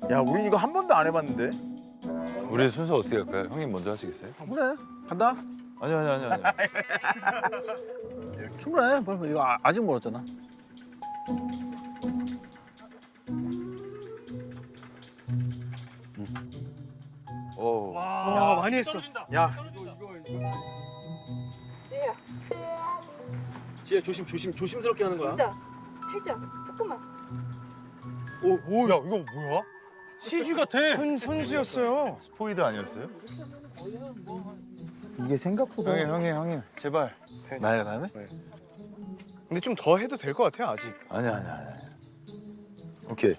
야, 우린 이거 한 번도 안 해봤는데. 우리 순서 어떻게 할까요? 형님 먼저 하시겠어요? 그래 간다. 아니요. 충분해. 빨리 이거 아직 멀었잖아. 오. 와 많이 했어. 야, 지혜 조심스럽게 하는 거야. 진짜 살짝 조금만. 오, 야 이거 뭐야? CG 같아. 선수였어요. 스포이드 아니었어요? 이게 생각보다. 형님 제발. 나야 다음에? 근데 좀 더 해도 될 것 같아요 아직. 아니야. 오케이.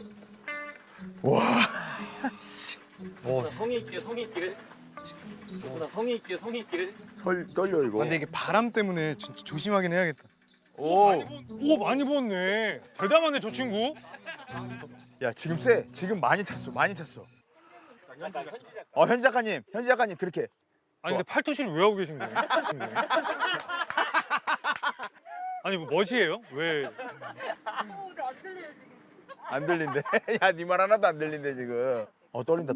성의 있게. 나 성의 있게. 떨려 이거. 근데 이게 바람 때문에 진짜 조심하긴 해야겠다. 오. 오 많이 부었네. 대담하네 저 친구. 야, 지금 쎄. 지금 많이 찼어. 현지 작가님 그렇게. 아니 근데 팔토시를 왜 하고 계신 거예요? 아니 뭐 멋이에요? 왜? 안 들린대. 야, 네 말 하나도 안 들린대 지금. 떨린다.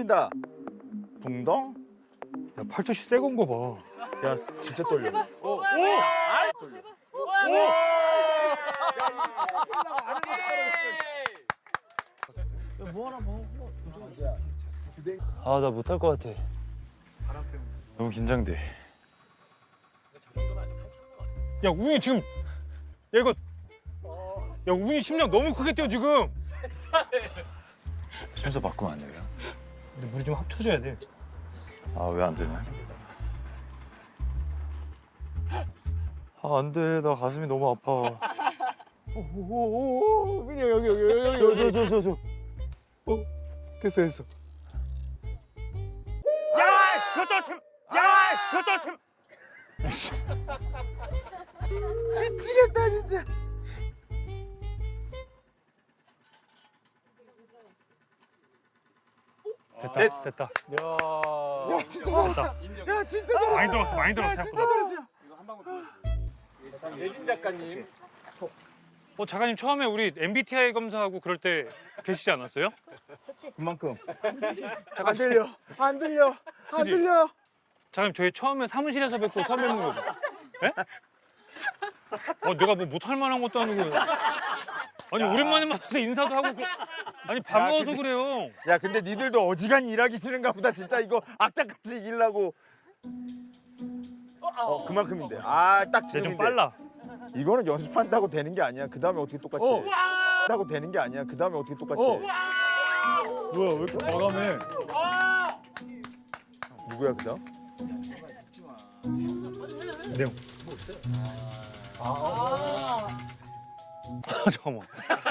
붕덩? 야, 팔토시 새 건거 봐. 야, 진짜 떨려. 아, 나 못할 것 같아. 너무 긴장돼. 야 우빈이 지금 야 이거 야 우빈이 심장 너무 크게 뛰어 지금. 순서 바꾸면 안 돼요? 근데 우리 좀 합쳐져야 돼. 아, 왜 안 되냐? 아, 안 돼. 나 가슴이 너무 아파. 오, 그냥 여기. 저. 됐어. 야씨 그것도 참. 야씨 그것도 참. 미치겠다 진짜. 됐다. 야, 진짜 잘한다. 야, 진짜 잘한다. 많이 들었어 생각보다. 예진 작가님. 작가님 처음에 우리 MBTI 검사하고 그럴 때 계시지 않았어요? 그만큼. 안 들려. 작가님 저희 처음에 사무실에서 뵙고 처음 뵙는 거죠? 예? 내가 뭐 못할 만한 것도 아니고. 아니 오랜만에 만나서 인사도 하고 아니 반가워서 그래요. 야, 근데 니들도 어지간히 일하기 싫은가 보다. 진짜 이거 악착같이 이기려고. 그만큼인데. 아, 딱 이제 좀 지금인데. 빨라. 이거는 연습한다고 되는 게 아니야. 그 다음에 어떻게 똑같이 해. 한다고 되는 게 아니야. 그 다음에 어떻게 똑같이 해. 뭐야, 왜 이렇게 과감해? 누구야, 그 다음? 내용. 잠깐만.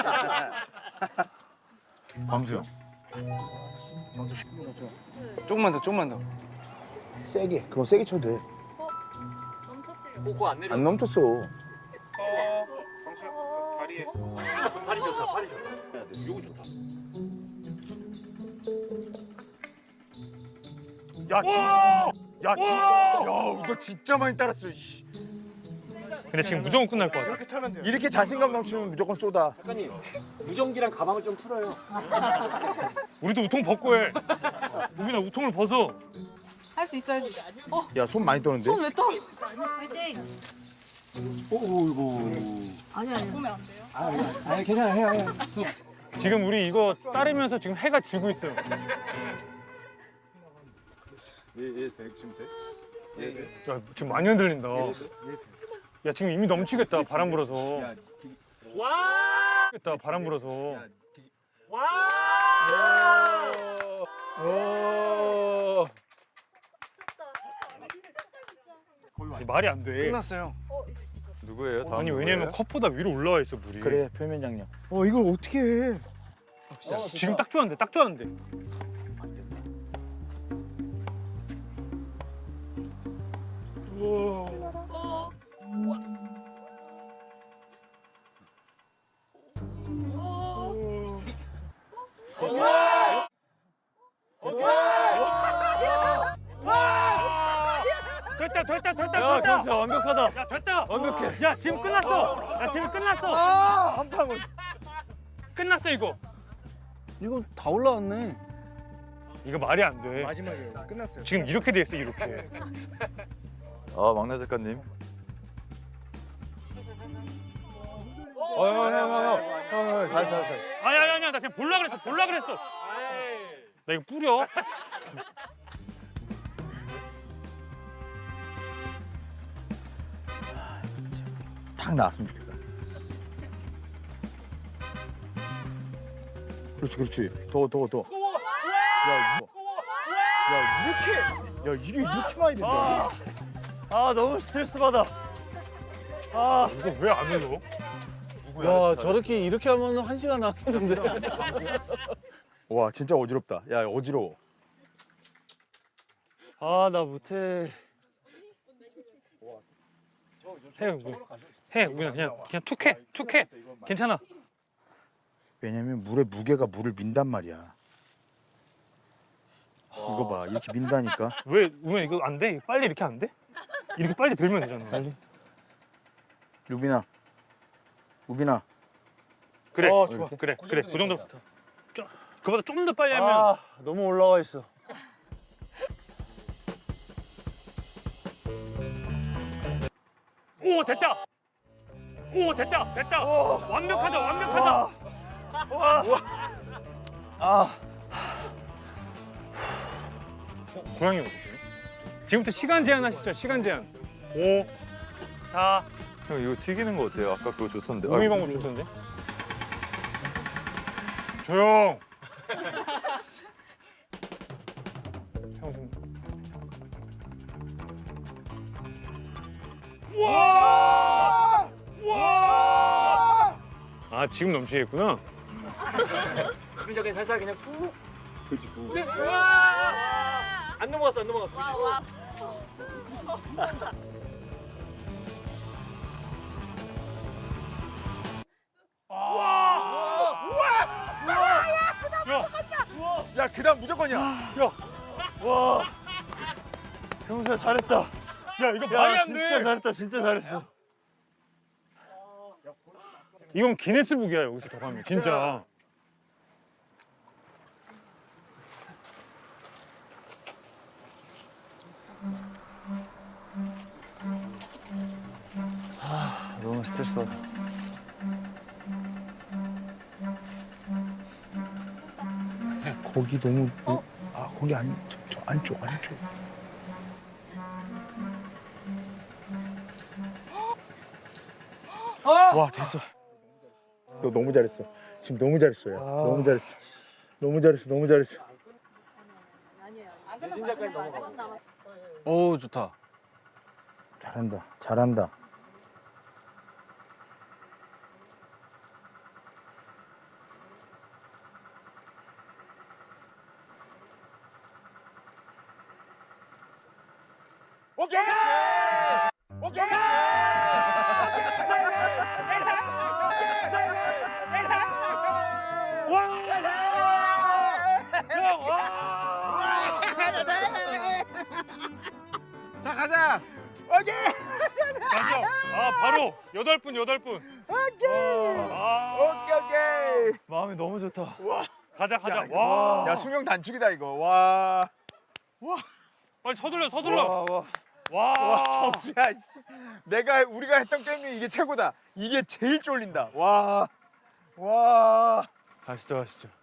광수 형. 조금만 더. 세게. 그거 세게 쳐도 돼. 코코 안 내려. 안 멈췄어. 팔이 좋다. 요거 좋다. 야, 이거 진짜 많이 따랐어. 씨. 근데 지금 무조건 끝날 것 같아. 타면 돼요. 이렇게 자신감 넘치면 무조건 쏘다. 작가님 무전기랑 가방을 좀 풀어요. 우리도 우통 벗고 해. 우빈아 우통을 벗어. 할 수 있어. 야, 손 많이 떠는데? 손 왜 떨어? 화이팅. 아니야. 보면 안 돼요. 아니 괜찮아요. 해요. 지금 우리 이거 따르면서 지금 해가 지고 있어요. 얘 지금 돼? 야 지금 많이 흔들린다. 야 지금 이미 넘치겠다 바람 불어서. 와! 바람 불어서. 와! 말이 안 돼. 끝났어요. 누구예요? 다음 아니 누구예요? 왜냐면 컵보다 위로 올라와 있어 물이. 그래, 표면 장력. 이걸 어떻게 해? 지금 딱 좋았는데 딱 좋았는데. 됐다. 경수 완벽하다. 야 됐다. 완벽해. 야 지금 끝났어. 야 지금 끝났어. 한 방울. 끝났어 이거. 이거 다 올라왔네. 이거 말이 안 돼. 마지막에 끝났어요. 지금 이렇게 돼 있어 이렇게. 아 막내 작가님. 형. 아니야 나 그냥 볼라 그랬어. 나 이거 뿌려. 탁 나왔으면 좋겠다. 그렇지. 더. 야, 이게 이렇게 많이 된다. 아 너무 스트레스 받아. 아. 이거 왜 안 흘러? 야, 저렇게 이렇게 하면 1시간 나겠는데. 와, 진짜 어지럽다. 야, 어지러워. 아 나 못해. 해 그냥 툭해. 괜찮아. 왜냐면 물의 무게가 물을 민단 말이야. 이거 봐, 이렇게 민다니까. 왜 이거 안 돼? 빨리 이렇게 안 돼? 이렇게 빨리 들면 되잖아. 빨리. 우빈아. 그래. 좋아. 그래. 그 정도. 그보다 좀 더 빨리 하면. 아 너무 올라와 있어. 오 됐다. 완벽하다. 고양이 어디세요? 지금부터 시간 제한 하시죠. 시간 제한. 5, 4. 형 이거 튀기는 거 어때요? 아까 그거 좋던데. 우미 방법 좋던데. 조용. 아 지금 넘치겠구나. 수비적인 살살 그냥 푹. 그렇지. 우와! 안 넘어갔어. 그치? 야, 그다음 무조건이야. 와. 형수야 잘했다. 야 이거 말이 안 돼. 진짜 잘했다. 진짜 잘했어. 이건 기네스북이야 여기서 더 가면 진짜. 너무 스트레스 받아. 거기 너무 거기 아니 저 안쪽. 와, 됐어. 너 너무 잘했어. 지금 너무 잘했어. 야. 너무 잘했어. 안 끝났어. 오, 좋다. 잘한다. 오케이! 자, 가자. 오케이. 맞아. 아 바로 8분. 오케이. 마음이 너무 좋다. 가자. 와. 야, 수명 단축이다 이거. 와. 빨리 서둘러. 와. 정수야. 우리가 했던 게임 중에 이게 최고다. 이게 제일 쫄린다. 와. 가시죠.